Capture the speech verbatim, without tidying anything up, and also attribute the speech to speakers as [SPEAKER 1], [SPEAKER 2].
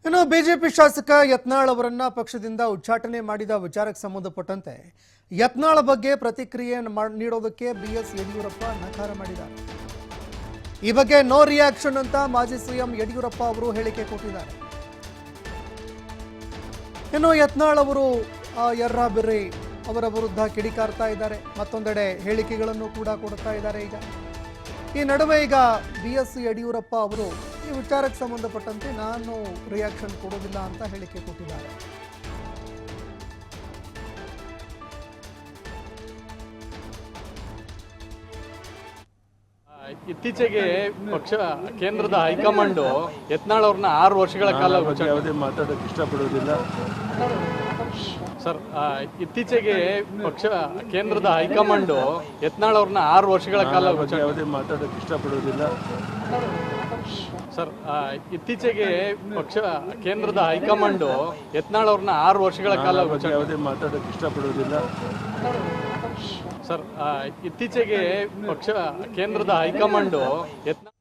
[SPEAKER 1] ಇನ್ನು ಬಿಜೆಪಿ ಶಾಸಕ ಯತ್ನಾಳ್ ಅವರನ್ನ ಪಕ್ಷದಿಂದ ಉಚ್ಚಾಟನೆ ಮಾಡಿದ ವಿಚಾರಕ್ಕೆ ಸಂಬಂಧಪಟ್ಟಂತೆ ಯತ್ನಾಳ್ ಬಗ್ಗೆ ಪ್ರತಿಕ್ರಿಯೆ ನೀಡೋದಕ್ಕೆ ಬಿಎಸ್ ಯಡಿಯೂರಪ್ಪ ನಕಾರ ಮಾಡಿದ್ದಾರೆ. ಈ ಬಗ್ಗೆ ನೋ ರಿಯಾಕ್ಷನ್ ಅಂತ ಮಾಜಿ ಸಿಎಂ ಯಡಿಯೂರಪ್ಪ ಅವರು ಹೇಳಿಕೆ ಕೊಟ್ಟಿದ್ದಾರೆ. ಇನ್ನು ಯತ್ನಾಳ್ ಅವರು ಯರ್ರಾಬಿರ್ರಿ ಅವರ ವಿರುದ್ಧ ಕಿಡಿಕಾರ್ತಾ ಇದ್ದಾರೆ, ಮತ್ತೊಂದೆಡೆ ಹೇಳಿಕೆಗಳನ್ನು ಕೂಡ ಕೊಡ್ತಾ ಇದ್ದಾರೆ. ಈಗ ಈ ನಡುವೆ ಈಗ ಬಿ ಎಸ್ ಯಡಿಯೂರಪ್ಪ ಅವರು ಈ ವಿಚಾರಕ್ಕೆ ಸಂಬಂಧಪಟ್ಟಂತೆ ನಾನು ರಿಯಾಕ್ಷನ್ ಕೊಡೋದಿಲ್ಲ ಅಂತ ಹೇಳಿಕೆ ಕೊಟ್ಟಿದ್ದಾರೆ.
[SPEAKER 2] ಇತ್ತೀಚೆಗೆ ಪಕ್ಷ ಕೇಂದ್ರದ ಹೈಕಮಾಂಡ್ ಯತ್ನಾಳ್ ಅವ್ರನ್ನ ಆರು ವರ್ಷಗಳ ಕಾಲ
[SPEAKER 3] ಯಾವುದೇ ಮಾತಾಡೋಕೆ ಇಷ್ಟಪಡೋದಿಲ್ಲ
[SPEAKER 2] ಸರ್. ಇತ್ತೀಚೆಗೆ ಪಕ್ಷ ಕೇಂದ್ರದ ಹೈಕಮಾಂಡ್ ಯತ್ನಾಳ್ ಅವ್ರನ್ನ ಆರು ವರ್ಷಗಳ ಕಾಲ
[SPEAKER 3] ಯಾವುದೇ ಮಾತಾಡೋಕೆ ಇಷ್ಟಪಡೋದಿಲ್ಲ
[SPEAKER 2] ಸರ್. ಇತ್ತೀಚೆಗೆ ಪಕ್ಷ ಕೇಂದ್ರದ ಹೈಕಮಾಂಡ್ ಯತ್ನಾಳ್ ಅವ್ರನ್ನ ಆರು ವರ್ಷಗಳ ಕಾಲ
[SPEAKER 3] ಯಾವುದೇ ಮಾತಾಡೋಕೆ ಇಷ್ಟಪಡೋದಿಲ್ಲ
[SPEAKER 2] ಸರ್. ಇತ್ತೀಚೆಗೆ ಪಕ್ಷ ಕೇಂದ್ರದ ಹೈಕಮಾಂಡ್ ಯತ್ನಾಳ್